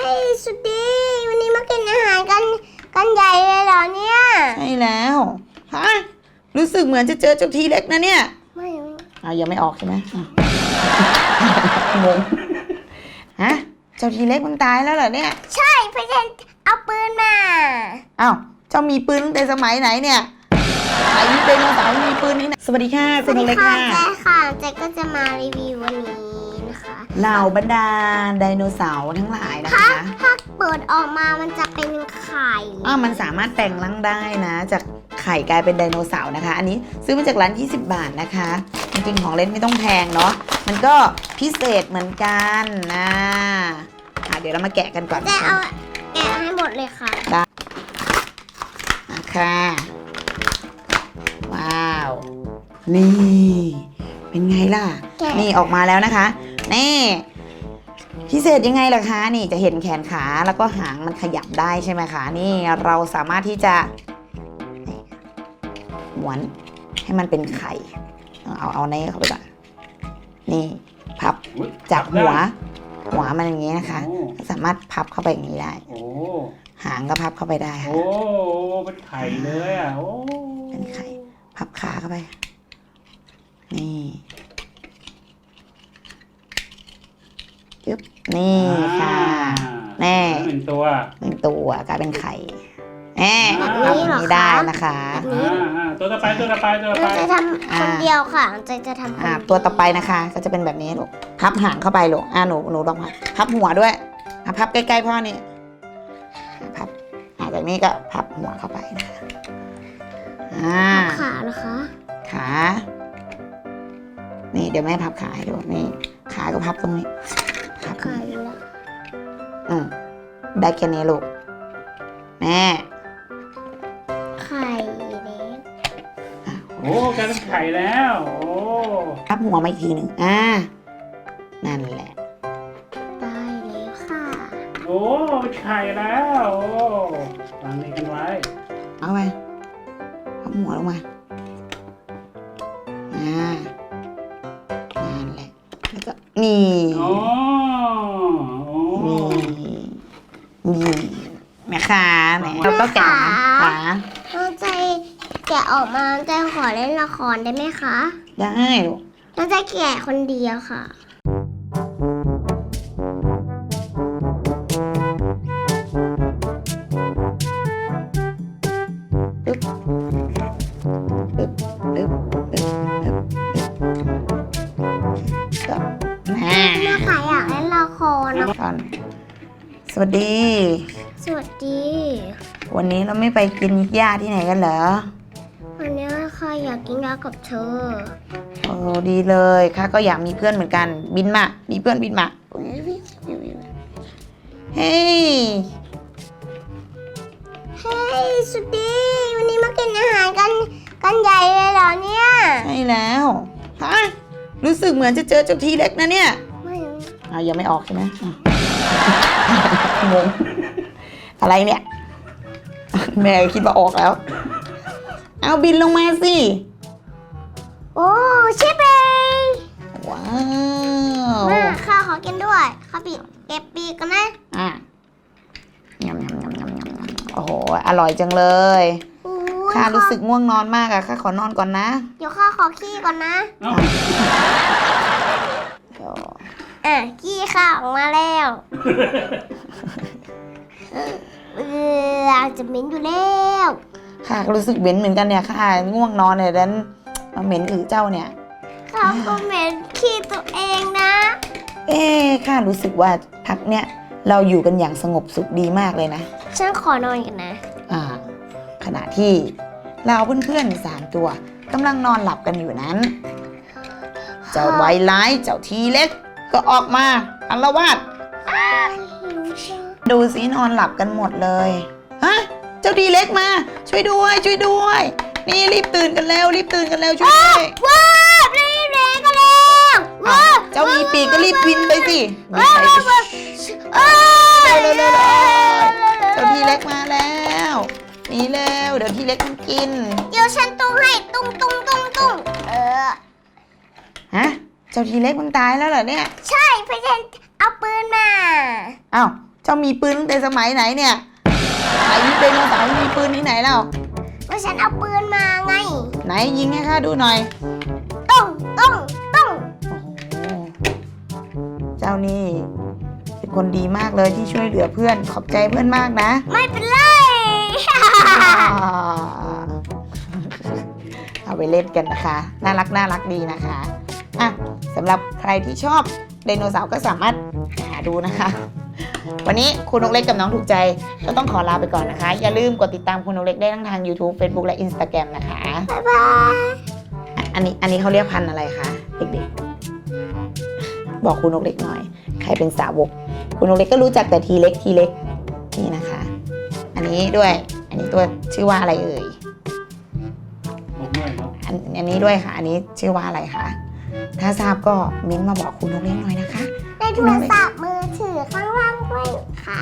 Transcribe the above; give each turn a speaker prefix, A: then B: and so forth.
A: สุดดีวันนี้มากินอาหารกันใหญ่เลยเหรอเนี่ย
B: ใช่แล้วฮะรู้สึกเหมือนจะเจอเจ้าทีเล็กนะเนี่ย
A: ไม่
B: ยังไม่ออกใช่ไหมงงฮะเจ้าทีเล็กมันตายแล้วเหรอเนี่ย
A: ใช่พี่เจนเอาปืนมา
B: อ้าวเจ้ามีปืนตั้งแต่สมัยไหนเนี่ยไอ้นี่เป็นสาวมีปืนนี่นะสวัสดีค่ะคุณเล็กค่ะ
A: เจ๊ค่ะเจ๊ก็จะมารีวิววันนี้นะคะ
B: เหล่าบรรดาไดโนเสาร์ทั้งหลายนะคะ
A: ถ้าเปิดออกมามันจะเป็นไข่
B: มันสามารถแปลงร่างได้นะจากไข่กลายเป็นไดโนเสาร์นะคะอันนี้ซื้อมาจากร้าน20 บาทนะคะจริงๆของเล่นไม่ต้องแพงเนาะมันก็พิเศษเหมือนกันนะเดี๋ยวเรามาแกะกันก่อน
A: จะเอาแกะให้หมดเลยค่ะ
B: ได้ค่ะว้าวนี่เป็นไงล่ะนี่ออกมาแล้วนะคะนี่พิเศษยังไงล่ะคะนี่จะเห็นแขนขาแล้วก็หางมันขยับได้ใช่ไหมคะนี่เราสามารถที่จะม้วนให้มันเป็นไข่เอาในเข้าไปก่อนนี่พับจากหัวมันอย่างนี้นะคะสามารถพับเข้าไปอย่างนี้ได้หางก็พับเข้าไปได้ค่ะ
C: เป็นไข่เลยอ่ะ
B: เป็นไข่พับขาเข้าไปนี่ยึบนี่ค่ะแน่
C: หนึ่งตัว
B: กลายเป็นไข่แบบนี้ได้นะคะ
C: ตัวต่อไป
A: จะทำคนเดียวค่ะจะทำ
B: ตัวต่อไปนะคะก็จะเป็นแบบนี้ลูกพับหางเข้าไปลูกหนูลองพับหัวด้วยพับใกล้ๆพ่อนี่พับจากนี้ก็พับหัวเข้าไปนะคะ
A: ขาเหรอคะ
B: ขานี่เดี๋ยวแม่พับขาให้ดูนี่ขาก็พับตรงนี้พับ
A: ขาแล้ว
B: ได้แค่นี้ลูกแม่
A: ไข่เล็ก
C: กลายเป็นไข่แล้ว
B: พับหัวมาอีกทีหนึ่งนั่นแหละ
A: ได้แล้วค่ะ
C: เป็นไข่แล้ววางนี่กันไว้
B: เอาไปพับหัวลงมานั่นแหละแล้วก็นี่แม่ค้าแม่เราก็แกะขา
A: ใจแกะออกมาใจขอเล่นละครได้ไหมคะ
B: ได้ลูก
A: เราจะแกะคนเดียวค่ะแม่ค่ะอยากเล่นละครนะ
B: สวัสดีวันนี้เราไม่ไปกินหญ้าที่ไหนกันเหรอ
A: วันนี้ค่ะอยากกินหญ้ากับเธอ
B: ดีเลยค่ะก็อยากมีเพื่อนเหมือนกันบินมามีเพื่อนบินมาเฮ้
A: ยสุดดีวันนี้มากินอาหารกันใหญ่เลยเหรอเนี่ย
B: ใช่แล้วฮะรู้สึกเหมือนจะเจอเจ้าทีเล็กนะเนี่ย
A: ไม่
B: ยังไม่ออกใช่ไหมงงอะไรเนี่ยแม่คิดว่าออกแล้วเอาบินลงมาสิ
A: ชิปเอง
B: ว้าว
A: แม่ข้าขอกินด้วยข้าเก็บปีกกันนะ
B: ยำโอ้โหอร่อยจังเลยข้ารู้สึกง่วงนอนมากข้าขอนอนก่อนนะ
A: เดี๋ยวข้าขอขี้ก่อนนะขี้ข้าออกมาแล้วจะเหม็นอยู่แล้ว
B: ค่ะรู้สึกเหม็นเหมือนกันเนี่ยค่ะง่วงนอนเนี่ยดันมาเหม็นเจ้าเนี่ย
A: ข้าก็เหม็นขี้ตัวเองนะ
B: ค่ะรู้สึกว่าพักเนี่ยเราอยู่กันอย่างสงบสุขดีมากเลยนะ
A: ฉันขอนอนกันนะ
B: ขณะที่เราเพื่อนๆ3 ตัวกำลังนอนหลับกันอยู่นั้นเจ้าไวร้ายเจ้าทีเล็กก็ออกมาอาละวาดดูสินอนหลับกันหมดเลยเจ้าทีเล็กมาช่วยด้วยนี่รีบตื่นกันแล้วช่วยด้วย
A: ว้าวรีบเลยกันแล้ว
B: เจ้ามีปีกก็รีบบินไปสิเจ้าทีเล็กมาแล้วนี่เร็วเดี๋ยวทีเล็กมันกิน
A: เดี๋ยวฉันตุ้งให้ตุ้ง
B: เจ้าทีเล็กมันตายแล้วเหรอเนี่ย
A: ใช่พี่เจนเอาปืนมา
B: อ้าวเจ้ามีปืนตั้งแต่สมัยไหนเนี่ยไหนมีไดโนเสาร์มีปืนที่ไหนแล้ว
A: ว่าฉันเอาปืนมาไง
B: ไหนยิงให้ข้าดูหน่อย
A: ต้อง
B: โอ้โหเจ้านี่เป็นคนดีมากเลยที่ช่วยเหลือเพื่อนขอบใจเพื่อนมากนะ
A: ไม่เป็นไร
B: เอาไปเล่นกันนะคะน่ารักดีนะคะอ่ะสำหรับใครที่ชอบไดโนเสาร์ก็สามารถหาดูนะคะ วันนี้คุณนกเล็กกับน้องถูกใจก็ต้องขอลาไปก่อนนะคะ อย่าลืมกดติดตามคุณนกเล็กได้ทั้งทาง YouTube Facebook และ Instagram นะคะ
A: บ๊ายบาย
B: อันนี้เขาเรียกพันธุ์อะไรคะเด็กๆบอกคุณนกเล็กหน่อยใครเป็นสาวกคุณนกเล็กก็รู้จักแต่ทีเล็กนี่นะคะ อันนี้ด้วยอันนี้ตัวชื่อว่าอะไรเอ่ย
C: บอกด้วยครับ
B: อันนี้ด้วยค่ะ อันนี้ชื่อว่าอะไรคะถ้าทราบก็เม้นต์มาบอกคุณนกเล็กหน่อยนะคะ
A: ในโทรศัพท์มือถือข้างล่างด้วยค่ะ